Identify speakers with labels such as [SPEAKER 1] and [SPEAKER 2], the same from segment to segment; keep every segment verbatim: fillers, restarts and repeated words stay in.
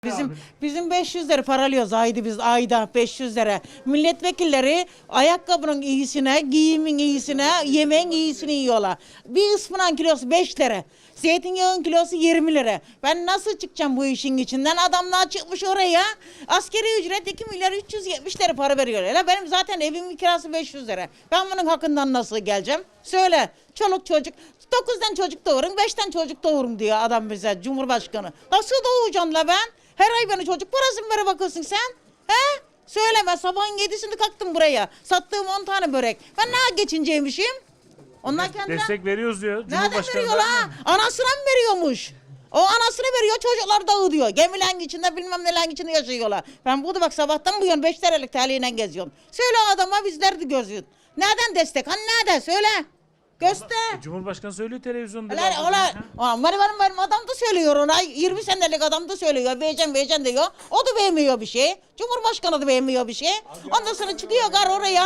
[SPEAKER 1] Bizim bizim beş yüz lira paralıyoruz ayda biz ayda beş yüz lira. Milletvekilleri ayakkabının iyisine, giyimin iyisine, yemeğin iyisini yiyorlar. Bir ıspanak kilosu beş lira. Zeytinyağın kilosu yirmi lira. Ben nasıl çıkacağım bu işin içinden? Adamlar çıkmış oraya. Askeri ücret iki milyar üç yüz yetmiş lira para veriyor. Hele benim zaten evimin kirası beş yüz lira. Ben bunun hakkından nasıl geleceğim? Söyle. Çoluk çocuk. dokuzdan çocuk doğurun, beşten çocuk doğurun diyor adam bize, Cumhurbaşkanı. Nasıl doğuracaksın la ben? Her ay bana çocuk parası mı vere bakıyorsun sen? He? Söyleme, sabahın yedisinde kalktım buraya. Sattığım on tane börek. Ben ne geçinceymişim? Onlar kendine...
[SPEAKER 2] Destek veriyoruz diyor.
[SPEAKER 1] Nereden veriyor la? Anasına mı veriyormuş? O anasını veriyor, çocuklar dağıtıyor. Gemilerin içinde bilmem nelerin içinde yaşıyorlar. Ben burada bak sabahtan bu yana beş liralık taliyle geziyorum. Söyle adama bizler de gözüyoruz. Nereden destek? Hani nereden? Söyle. Göster.
[SPEAKER 2] E, Cumhurbaşkanı söylüyor televizyonda.
[SPEAKER 1] Ulan ulan ulan benim, benim, benim adam da söylüyor ona. yirmi senelik adam da söylüyor. Vereceğim vereceğim diyor. O da beğenmiyor bir şey. Cumhurbaşkanı da beğenmiyor bir şey. Ondan sonra çıkıyor gar oraya.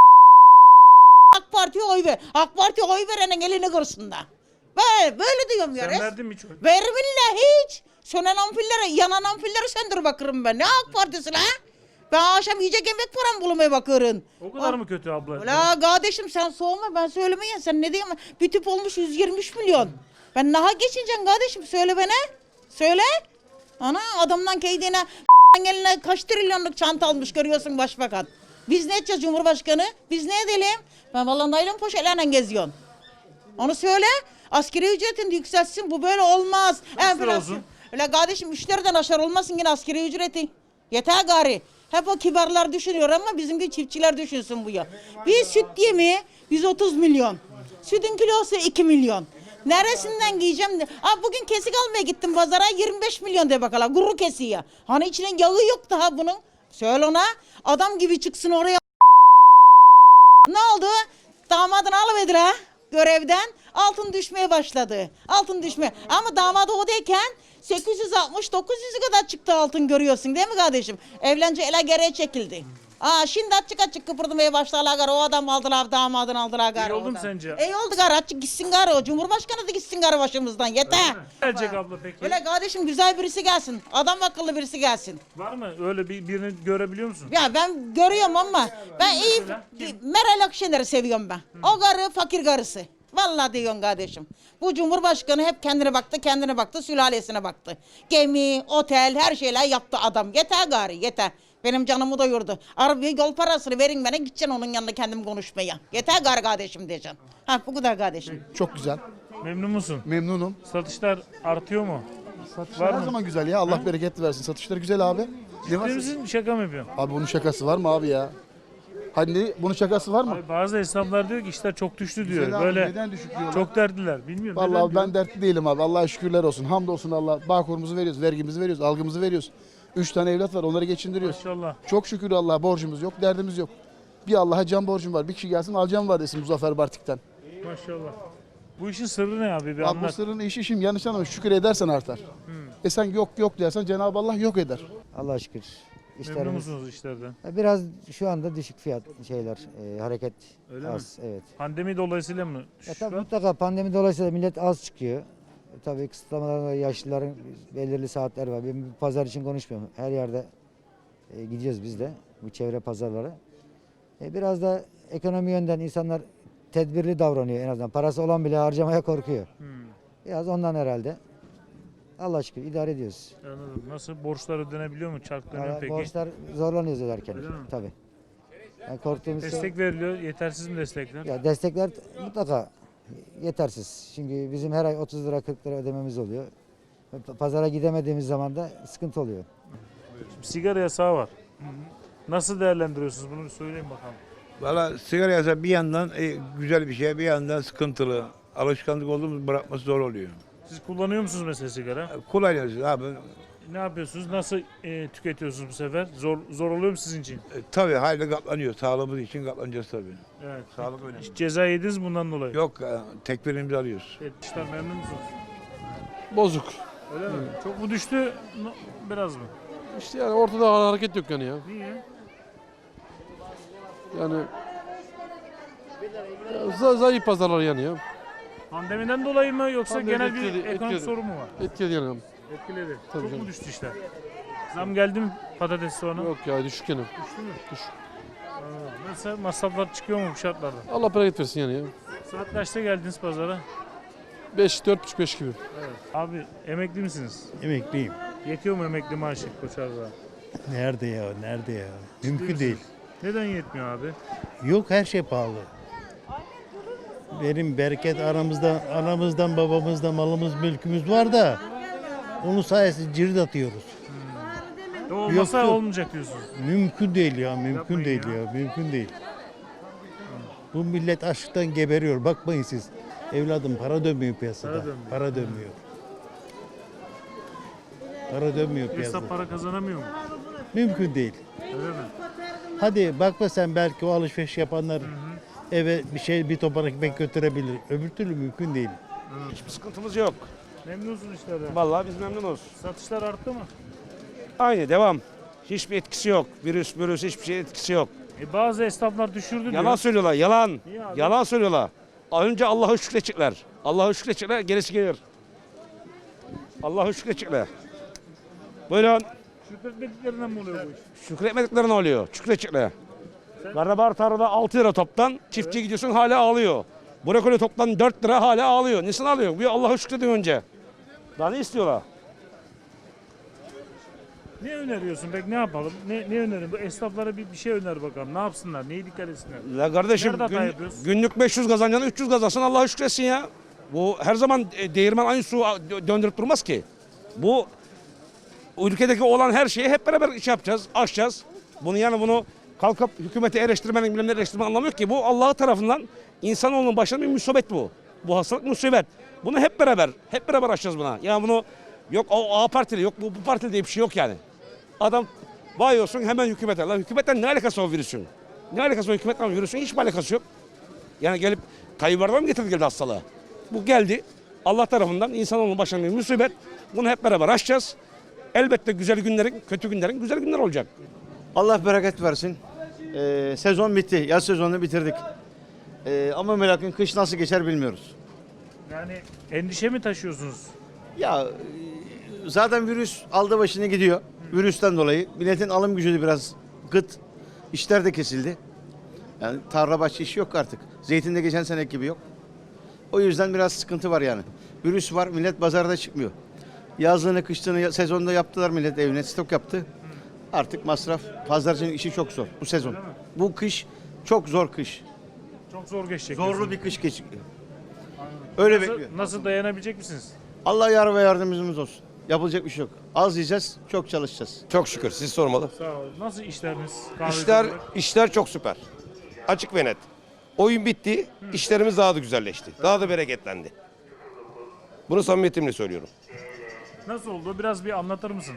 [SPEAKER 1] AK Parti'ye oy ver. AK Parti'ye oy verenin elini kırsın da. Böyle, böyle diyorum ya.
[SPEAKER 2] Sen verdin mi hiç oy?
[SPEAKER 1] Verminle hiç. Sönen ampulleri, yanan ampulleri söndür bakırım ben. Ne AK Partisi la? Ben akşam yiyecek yemek param bulmaya bakıyorum.
[SPEAKER 2] O kadar
[SPEAKER 1] O-
[SPEAKER 2] mı kötü abla?
[SPEAKER 1] Ula kardeşim sen soğuma, ben söylemeyin, sen ne diyeyim, bir tüp olmuş yüz yirmi üç milyon. Ben naha geçineceğim kardeşim, söyle bana. Söyle. Ana adamdan kendine eline kaç trilyonluk çanta almış görüyorsun başbakan. Biz ne edeceğiz Cumhurbaşkanı? Biz ne edelim? Ben vallahi naylon poşetlerle geziyorum. Onu söyle. Askeri ücretin yükselsin, bu böyle olmaz.
[SPEAKER 2] Nasıl
[SPEAKER 1] Enflasyon-
[SPEAKER 2] olsun?
[SPEAKER 1] Öyle kardeşim müşteriden aşağı olmasın yine askeri ücreti. Yeter gari. Hep o kibarlar düşünüyor ama bizimki çiftçiler düşünsün bu ya. Bir süt yemi yüz otuz milyon. Sütün kilosu iki milyon. Neresinden giyeceğim? Aa, bugün kesik almaya gittim pazara, yirmi beş milyon de bakalım. Guru kesiği. Hani içinin yağı yok daha bunun. Söyle ona. Adam gibi çıksın oraya. Ne oldu? Damadını alıverdiler görevden. Altın düşmeye başladı. Altın düşme. Ama damadı odayken sekiz yüz altmış dokuz yüze kadar çıktı altın, görüyorsun değil mi kardeşim? Evlence ele geriye çekildi. Aa, şimdi açık açık kıpırdamaya başlarlar gar. O adam aldılar, damadını aldılar gar.
[SPEAKER 2] İyi oldu mu
[SPEAKER 1] oradan.
[SPEAKER 2] sence?
[SPEAKER 1] İyi oldu gar, açık gitsin gar o. Cumhurbaşkanı da gitsin gar başımızdan, yeter.
[SPEAKER 2] Gelecek abla peki?
[SPEAKER 1] Öyle kardeşim, güzel birisi gelsin. Adam akıllı birisi gelsin.
[SPEAKER 2] Var mı? Öyle bir, birini görebiliyor musun?
[SPEAKER 1] Ya ben görüyorum ama ben iyi
[SPEAKER 2] Mesela?
[SPEAKER 1] Meral Akşener'i seviyorum ben. O karı fakir karısı. Vallahi diyorsun kardeşim. Bu Cumhurbaşkanı hep kendine baktı, kendine baktı, sülalesine baktı. Gemi, otel, her şeyler yaptı adam. Yeter gari, yeter. Benim canımı doyurdu. Araba yol parasını verin bana, gideceksin onun yanında kendim konuşmaya. Yeter gari kardeşim diyeceksin. Ha, bu kadar kardeşim.
[SPEAKER 3] Çok güzel.
[SPEAKER 2] Memnun musun?
[SPEAKER 3] Memnunum.
[SPEAKER 2] Satışlar artıyor mu?
[SPEAKER 3] Satışlar
[SPEAKER 2] Var
[SPEAKER 3] her
[SPEAKER 2] mı?
[SPEAKER 3] zaman güzel ya. Allah bereket versin. Satışlar güzel abi. Ne var?
[SPEAKER 2] Ciddi misin? Şaka mı yapıyorsun?
[SPEAKER 3] Abi bunun şakası var mı abi ya? Hani bunun şakası var mı?
[SPEAKER 2] Abi bazı esnaflar diyor ki işler çok düştü diyor.
[SPEAKER 3] Güzel abi,
[SPEAKER 2] Böyle
[SPEAKER 3] neden düşük diyorlar?
[SPEAKER 2] çok dertliler. Bilmiyorum.
[SPEAKER 3] Vallahi
[SPEAKER 2] neden
[SPEAKER 3] abi ben
[SPEAKER 2] diyor?
[SPEAKER 3] dertli değilim abi. Allah'a şükürler olsun. Hamdolsun Allah. Bağkurumuzu veriyoruz, vergimizi veriyoruz, algımızı veriyoruz. Üç tane evlat var, onları geçindiriyoruz.
[SPEAKER 2] Maşallah.
[SPEAKER 3] Çok şükür Allah'a borcumuz yok, derdimiz yok. Bir Allah'a can borcum var. Bir kişi gelsin alacağım var desin Muzaffer Bartik'ten.
[SPEAKER 2] Maşallah. Bu işin sırrı ne abi? Bir
[SPEAKER 3] Abi bu
[SPEAKER 2] anlat.
[SPEAKER 3] sırrın işi şimdi yanlış anlama, şükür edersen artar. E sen yok yok dersen Cenab-ı Allah yok eder.
[SPEAKER 4] Allah'a şükür.
[SPEAKER 2] Memnun
[SPEAKER 4] İşlerimiz
[SPEAKER 2] musunuz işlerden?
[SPEAKER 4] biraz şu anda düşük fiyat şeyler, e, hareket
[SPEAKER 2] Öyle
[SPEAKER 4] az. Evet.
[SPEAKER 2] Pandemi dolayısıyla mı?
[SPEAKER 4] Ya
[SPEAKER 2] düşüş
[SPEAKER 4] tabii
[SPEAKER 2] var?
[SPEAKER 4] mutlaka pandemi dolayısıyla millet az çıkıyor. E, tabii kısıtlamalarla yaşlıların belirli saatler var. Ben bir pazar için konuşmuyorum. Her yerde e, gidiyoruz biz de bu çevre pazarlara. E, biraz da ekonomi yönden insanlar tedbirli davranıyor en azından. Parası olan bile harcamaya korkuyor.
[SPEAKER 2] Hmm,
[SPEAKER 4] Biraz ondan herhalde. Allah'a şükür idare ediyoruz.
[SPEAKER 2] anladım. Nasıl? Borçlar ödenebiliyor mu? Çarklanıyor
[SPEAKER 4] Yani
[SPEAKER 2] peki?
[SPEAKER 4] borçlar zorlanıyoruz öderken.
[SPEAKER 2] Öyle mi?
[SPEAKER 4] Tabii. Yani korktuğumuz şey-
[SPEAKER 2] Destek veriliyor. Yetersiz mi destekler?
[SPEAKER 4] Ya destekler mutlaka yetersiz. Çünkü bizim her ay otuz lira kırk lira ödememiz oluyor. P- Pazara gidemediğimiz zaman da sıkıntı oluyor.
[SPEAKER 2] Sigara yasağı var. Nasıl değerlendiriyorsunuz? Bunu bir söyleyin bakalım.
[SPEAKER 5] Valla sigara yasağı bir yandan e, güzel bir şey, bir yandan sıkıntılı. Alışkanlık olduğumuz bırakması zor oluyor.
[SPEAKER 2] Siz kullanıyor musunuz mesela sigara?
[SPEAKER 5] Kullanıyoruz abi. E,
[SPEAKER 2] Ne yapıyorsunuz? Nasıl e, tüketiyorsunuz bu sefer? Zor zor oluyor mu sizin için?
[SPEAKER 5] tabii hayli katlanıyor. Sağlığımız için katlanacağız tabii.
[SPEAKER 2] Evet.
[SPEAKER 5] Sağlık önemli.
[SPEAKER 2] Hiç ceza yediniz mi bundan dolayı?
[SPEAKER 5] Yok, e, tekbirimizi alıyoruz.
[SPEAKER 2] Evet, işler memnun musunuz?
[SPEAKER 6] Bozuk.
[SPEAKER 2] Öyle mi? Çok mu düştü? No- Biraz mı?
[SPEAKER 6] İşte yani ortada hareket yok yani ya.
[SPEAKER 2] Niye?
[SPEAKER 6] Yani ya za- zayıf pazarlar yani ya.
[SPEAKER 2] Pandemiden dolayı mı yoksa
[SPEAKER 6] Pandemi
[SPEAKER 2] genel bir
[SPEAKER 6] etkiledi,
[SPEAKER 2] ekonomik
[SPEAKER 6] etkiledi.
[SPEAKER 2] sorun mu var?
[SPEAKER 6] Etkiledi yani.
[SPEAKER 2] Etkiledi.
[SPEAKER 6] Tabii
[SPEAKER 2] Çok
[SPEAKER 6] canım.
[SPEAKER 2] mu düştü işler? Zam geldi mi patates soğana?
[SPEAKER 6] Yok ya düşük yani.
[SPEAKER 2] Mesela masraflar çıkıyor mu bu şartlarda?
[SPEAKER 6] Allah bereket versin yani ya.
[SPEAKER 2] Saat kaçta geldiniz pazara?
[SPEAKER 6] beş, dört buçuk, beş gibi.
[SPEAKER 2] Abi emekli misiniz?
[SPEAKER 7] Emekliyim.
[SPEAKER 2] Yetiyor mu emekli maaşı Koçar'da?
[SPEAKER 7] Nerede ya? Nerede ya? Mümkün değil.
[SPEAKER 2] Neden yetmiyor abi?
[SPEAKER 7] Yok, her şey pahalı. Benim bereket aramızda, anamızdan, babamızdan malımız, mülkümüz var da onun sayesinde cirit atıyoruz.
[SPEAKER 2] O olmasa
[SPEAKER 7] yok.
[SPEAKER 2] olmayacak diyorsunuz.
[SPEAKER 7] Mümkün değil ya, mümkün
[SPEAKER 2] Yapmayın
[SPEAKER 7] değil
[SPEAKER 2] ya.
[SPEAKER 7] ya. mümkün değil. Bu millet açlıktan geberiyor. Bakmayın siz. Evladım, para dönmüyor piyasada.
[SPEAKER 2] Para dönmüyor.
[SPEAKER 7] Para dönmüyor. Para dönmüyor
[SPEAKER 2] Esnaf
[SPEAKER 7] piyasada.
[SPEAKER 2] para kazanamıyor mu?
[SPEAKER 7] Mümkün değil.
[SPEAKER 2] Öyle mi?
[SPEAKER 7] Hadi bakma sen, belki o alışveriş yapanlar eve bir şey, bir topan ekmek götürebilir. Öbür türlü mümkün değil.
[SPEAKER 8] Hiçbir sıkıntımız yok.
[SPEAKER 2] Memnunsunuz işlerden.
[SPEAKER 8] Vallahi biz memnunuz.
[SPEAKER 2] Satışlar arttı mı?
[SPEAKER 8] Aynı devam. Hiçbir etkisi yok. Virüs, virüs hiçbir şey etkisi yok.
[SPEAKER 2] E bazı esnaflar düşürdü diyor.
[SPEAKER 8] Yalan söylüyorlar, yalan.
[SPEAKER 2] Niye abi?
[SPEAKER 8] Yalan söylüyorlar. Önce Allah'a şükredecekler. Allah'a şükredecekler, gerisi gelir. Allah'a şükredecekler. Buyurun.
[SPEAKER 2] Şükretmediklerinden mi oluyor bu iş?
[SPEAKER 8] Şükretmedikleri ne oluyor? Şükredecekler. Karabar tarlada altı lira toptan, çiftçiye gidiyorsun hala ağlıyor. Brokoli toptan dört lira hala ağlıyor. Nesini ağlıyor? Bir Allah'a şükredin önce. Daha ne istiyorlar?
[SPEAKER 2] Ne öneriyorsun peki, ne yapalım? Ne, ne önerin? Bu esnaflara bir, bir şey öner bakalım. Ne yapsınlar? Neyi dikkat etsinler?
[SPEAKER 8] La kardeşim
[SPEAKER 2] Nerede hata
[SPEAKER 8] gün-
[SPEAKER 2] yapıyoruz?
[SPEAKER 8] günlük beş yüz kazanacağına üç yüz kazansın, Allah'a şükretsin ya. Bu her zaman e, değirmen aynı su dö- döndürüp durmaz ki. Bu ülkedeki olan her şeyi hep beraber iş yapacağız, aşacağız. Bunu yani bunu kalkıp hükümeti eleştirmenin, bilmem ne eleştirmenin anlamı yok ki. Bu Allah tarafından insanoğlunun başına bir musibet bu. Bu hastalık musibet. Bunu hep beraber, hep beraber aşacağız buna. Yani bunu yok o A partili, yok bu, bu partili diye bir şey yok yani. Adam vay olsun hemen hükümete. La hükümetten ne alakası var virüsün? Ne alakası var hükümetle virüsün? Hiçbir alakası yok. Yani gelip Tayyip Erdoğan mı getirdi geldi hastalığı? Bu geldi. Allah tarafından insanoğlunun başına bir musibet. Bunu hep beraber aşacağız. Elbette güzel günlerin, kötü günlerin güzel günler olacak.
[SPEAKER 9] Allah bereket versin. Ee, sezon bitti. Yaz sezonunu bitirdik. Ee, ama merakın kış nasıl geçer bilmiyoruz.
[SPEAKER 2] Yani endişe mi taşıyorsunuz?
[SPEAKER 9] Ya e, zaten virüs aldı başını gidiyor. Virüsten dolayı milletin alım gücü de biraz gıt. İşler de kesildi. Yani tarla bahçe işi yok artık. Zeytin de geçen seneki gibi yok. O yüzden biraz sıkıntı var yani. Virüs var, millet pazarda çıkmıyor. Yazlığını, kışlığını sezonda yaptılar, millet evine stok yaptı. Artık masraf, pazarcının işi çok zor bu sezon. Bu kış çok zor kış.
[SPEAKER 2] Çok zor geçecek.
[SPEAKER 9] Zorlu
[SPEAKER 2] diyorsun.
[SPEAKER 9] bir kış geçiyor. Öyle bekliyor.
[SPEAKER 2] Nasıl, nasıl dayanabilecek misiniz?
[SPEAKER 9] Allah yar ve yardımcımız olsun. Yapılacak bir şey yok. Az yiyeceğiz, çok çalışacağız.
[SPEAKER 10] Çok şükür siz sormalı.
[SPEAKER 2] Sağ olun. Nasıl işleriniz? Kahveci
[SPEAKER 10] İşler
[SPEAKER 2] olarak?
[SPEAKER 10] işler çok süper. Açık ve net. Oyun bitti. İşlerimiz daha da güzelleşti. Daha da bereketlendi. Bunu samimiyetimle söylüyorum.
[SPEAKER 2] Nasıl oldu? Biraz bir anlatır mısın?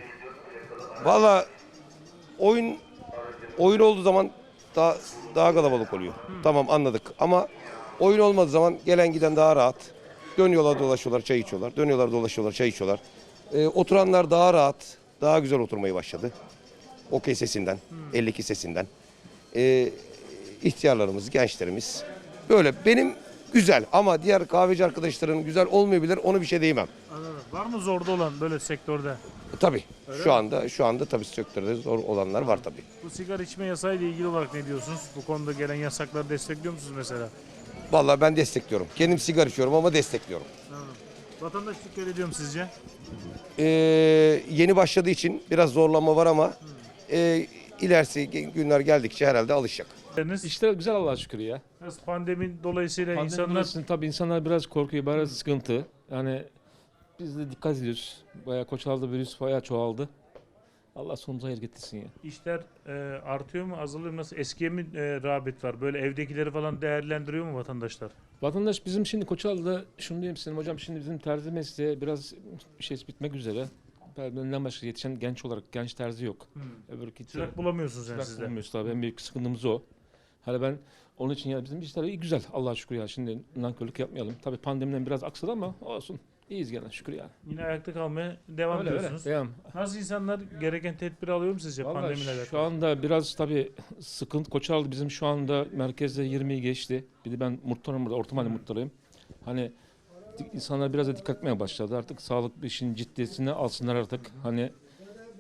[SPEAKER 10] Valla oyun oyun olduğu zaman daha daha kalabalık oluyor. Tamam anladık ama oyun olmadığı zaman gelen giden daha rahat. Dönüyorlar dolaşıyorlar çay içiyorlar. Dönüyorlar dolaşıyorlar çay içiyorlar. Ee, oturanlar daha rahat, daha güzel oturmayı başladı. Okey sesinden, elli iki sesinden. Ee, ihtiyarlarımız, gençlerimiz böyle benim güzel ama diğer kahveci arkadaşların güzel olmayabilir, onu bir şey diyemem.
[SPEAKER 2] Anladım. Var mı zorda olan böyle sektörde?
[SPEAKER 10] Tabii şu anda şu anda tabii sektörde zor olanlar var tabii.
[SPEAKER 2] Bu sigara içme yasağı ile ilgili olarak ne diyorsunuz? Bu konuda gelen yasakları destekliyor musunuz mesela?
[SPEAKER 10] Vallahi ben destekliyorum. Kendim sigara içiyorum ama destekliyorum.
[SPEAKER 2] Anladım. Vatandaş dikkat ediyor mu sizce?
[SPEAKER 10] Ee, yeni başladığı için biraz zorlanma var ama e, ilerisi günler geldikçe herhalde alışacak.
[SPEAKER 2] Sizleriniz?
[SPEAKER 11] İşler güzel Allah'a şükür ya.
[SPEAKER 2] Biraz pandemi dolayısıyla
[SPEAKER 11] Pandemi
[SPEAKER 2] insanlar
[SPEAKER 11] dolayısıyla tabii insanlar biraz korkuyor, biraz sıkıntı. Yani biz de dikkat ediyoruz. Bayağı Koçal'da virüs bayağı çoğaldı. Allah sonumuzu hayır getirsin ya.
[SPEAKER 2] işler e, artıyor mu, azalıyor mu? Nasıl? Eskiye mi e, rağbet var? Böyle evdekileri falan değerlendiriyor mu vatandaşlar?
[SPEAKER 11] Vatandaş bizim şimdi Koçal'da şunu diyeyim size hocam, şimdi bizim terzi mesleği biraz bir şey bitmek üzere. Benden başka yetişen genç olarak genç terzi yok.
[SPEAKER 2] Hmm.
[SPEAKER 11] Öbür kitle-
[SPEAKER 2] Çırak bulamıyorsunuz yani
[SPEAKER 11] Çırak
[SPEAKER 2] sizde.
[SPEAKER 11] bulamıyoruz tabii. En büyük sıkıntımız o. Hani ben onun için ya bizim işler iyi güzel Allah'a şükür ya. Şimdi nankörlük yapmayalım. Tabii pandemiden biraz aksadı ama olsun. İyiyiz gene şükür ya.
[SPEAKER 2] Yine ayakta kalmaya devam
[SPEAKER 11] Öyle öyle.
[SPEAKER 2] ediyorsunuz.
[SPEAKER 11] Devam.
[SPEAKER 2] Nasıl insanlar gereken tedbir alıyor mu sizce
[SPEAKER 11] Vallahi
[SPEAKER 2] pandemiyle alakalı?
[SPEAKER 11] şu anda biraz tabii sıkıntı. Koçaldı bizim şu anda merkezde yirmiyi geçti. Bir de ben muhtarım burada, orta mahalle muhtarıyım. Hani di- insanlar biraz da dikkat etmeye başladı. Artık sağlık işin ciddiyetini alsınlar artık. Hani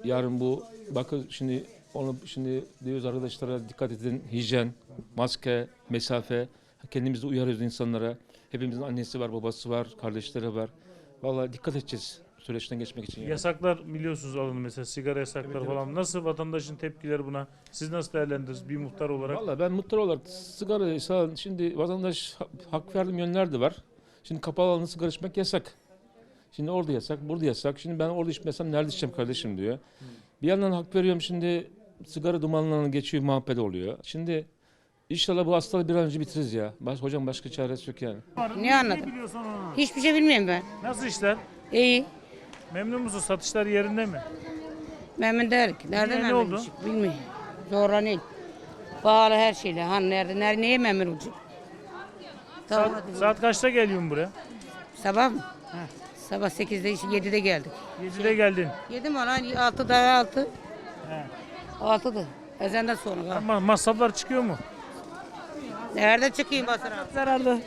[SPEAKER 11] yarın bu bakın şimdi onu şimdi diyoruz arkadaşlara dikkat edin. Hijyen, maske, mesafe. Kendimizi uyarıyoruz insanlara. Hepimizin annesi var, babası var, kardeşleri var. Vallahi dikkat edeceğiz süreçten geçmek için. Yani.
[SPEAKER 2] Yasaklar biliyorsunuz alın mesela sigara yasakları
[SPEAKER 11] Evet,
[SPEAKER 2] falan. Nasıl vatandaşın tepkileri buna? Siz nasıl değerlendirirsiniz bir muhtar olarak?
[SPEAKER 11] Vallahi ben muhtar olarak sigara sağ- şimdi vatandaş ha- hak verdiğim yönler de var. Şimdi kapalı alanda sigara içmek yasak. Şimdi orada yasak, burada yasak. Şimdi ben orada içmesem nerede içeceğim kardeşim diyor. Bir yandan hak veriyorum şimdi sigara dumanlarına geçiyor, muhabbet oluyor. Şimdi inşallah bu hastalığı bir an önce bitiririz ya. Baş, hocam başka çaresi yok yani.
[SPEAKER 1] Ne anladın?
[SPEAKER 2] biliyorsun onu?
[SPEAKER 1] Hiçbir şey bilmiyorum ben.
[SPEAKER 2] Nasıl işler?
[SPEAKER 1] İyi.
[SPEAKER 2] Memnun musun? Satışlar yerinde mi?
[SPEAKER 1] Memnun değilim. Nerede
[SPEAKER 2] Niye, ne
[SPEAKER 1] memnun
[SPEAKER 2] oldu?
[SPEAKER 1] olacak? Bilmiyorum. Zorlanıyor. Bağlı her şeyle. Han nerede, nerede, neye memnun olacak?
[SPEAKER 2] Saat,
[SPEAKER 1] Tamam.
[SPEAKER 2] saat kaçta geliyorsun buraya?
[SPEAKER 1] Sabah mı? Sabah sekizde, yedide geldik.
[SPEAKER 2] yedide geldin.
[SPEAKER 1] Yedi mi lan? altıda altı.
[SPEAKER 2] He.
[SPEAKER 1] altıda. Ezenden sonra.
[SPEAKER 2] Ama masraflar çıkıyor mu?
[SPEAKER 1] Nerede çıkayım basına?
[SPEAKER 2] Zararlı.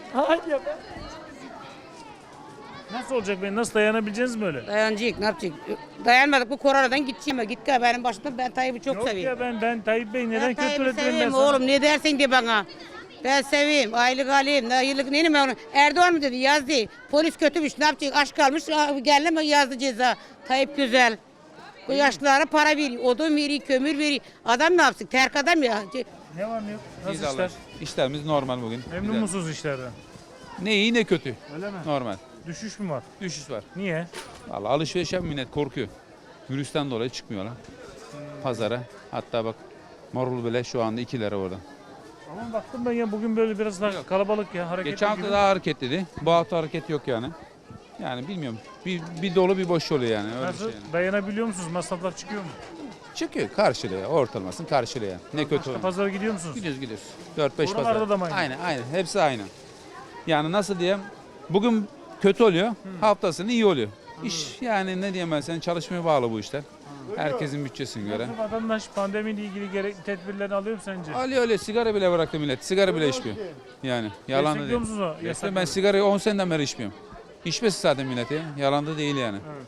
[SPEAKER 2] Nasıl olacak be? Nasıl dayanabileceğiniz mi öyle?
[SPEAKER 1] Dayanacak, ne yapacak? Dayanmadık bu koronadan gideceğim. Git gel benim başımda, ben Tayyip'i çok
[SPEAKER 2] Yok
[SPEAKER 1] seviyorum.
[SPEAKER 2] ya ben ben Tayyip Bey neden
[SPEAKER 1] Ben
[SPEAKER 2] kötü
[SPEAKER 1] Tayyip'i
[SPEAKER 2] üretirim ben
[SPEAKER 1] seveyim
[SPEAKER 2] sana?
[SPEAKER 1] oğlum, ne dersin de bana. Ben seveyim, aylık alayım, ne yıllık neyim ben onu. Erdoğan mı dedi, yazdı. Polis kötümüş, ne yapacak? Aç kalmış, geldi mi yazdı ceza. Tayyip güzel. Bu yaşlılara para veriyor, odun veriyor, kömür veriyor. Adam ne yapsın? Terk adam ya.
[SPEAKER 2] Ne var ne yok? Nasıl
[SPEAKER 12] İyiyiz
[SPEAKER 2] işler?
[SPEAKER 12] Allah. İşlerimiz normal bugün.
[SPEAKER 2] Memnun
[SPEAKER 12] Güzel.
[SPEAKER 2] musunuz işlerden?
[SPEAKER 12] Ne iyi ne kötü.
[SPEAKER 2] Öyle mi?
[SPEAKER 12] Normal.
[SPEAKER 2] Düşüş mü var?
[SPEAKER 12] Düşüş var.
[SPEAKER 2] Niye?
[SPEAKER 12] Vallahi alışveriş yapan millet korkuyor. Virüsten dolayı çıkmıyorlar. Pazara. Hatta bak marul bile şu anda iki lira orada.
[SPEAKER 2] Ama baktım ben ya bugün böyle biraz daha kalabalık ya hareketli
[SPEAKER 12] Geçen hafta
[SPEAKER 2] gibi.
[SPEAKER 12] daha hareketliydi. Bu hafta hareket yok yani. Yani bilmiyorum. Bir, bir dolu bir boş oluyor yani. Öyle
[SPEAKER 2] Nasıl?
[SPEAKER 12] bir şey yani.
[SPEAKER 2] Dayanabiliyor musunuz? Masraflar çıkıyor mu?
[SPEAKER 12] Çıkıyor karşılıyor. Ortalamasını karşılıyor. Ne kötü
[SPEAKER 2] Başka
[SPEAKER 12] olur.
[SPEAKER 2] pazara gidiyor musunuz?
[SPEAKER 12] Gidiyoruz gidiyoruz. dört beş
[SPEAKER 2] Oralarda
[SPEAKER 12] pazar.
[SPEAKER 2] da mı aynı?
[SPEAKER 12] Aynen aynen. Hepsi aynı. Yani nasıl diyeyim? Bugün kötü oluyor. Haftasını iyi oluyor. İş yani ne diyeyim ben senin çalışmaya bağlı bu işler. Herkesin bütçesine göre.
[SPEAKER 2] Nasıl vatandaş pandemiyle ilgili gerekli tedbirlerini alıyor mu sence?
[SPEAKER 12] Ali öyle sigara bile bıraktı millet. Sigara bile içmiyor. Yani yalan da
[SPEAKER 2] Destekliyor
[SPEAKER 12] değil.
[SPEAKER 2] musunuz o
[SPEAKER 12] Destekliyorum.
[SPEAKER 2] yasakları?
[SPEAKER 12] Ben sigarayı on seneden beri içmiyorum. İçmesi zaten milleti. Yalan da değil yani.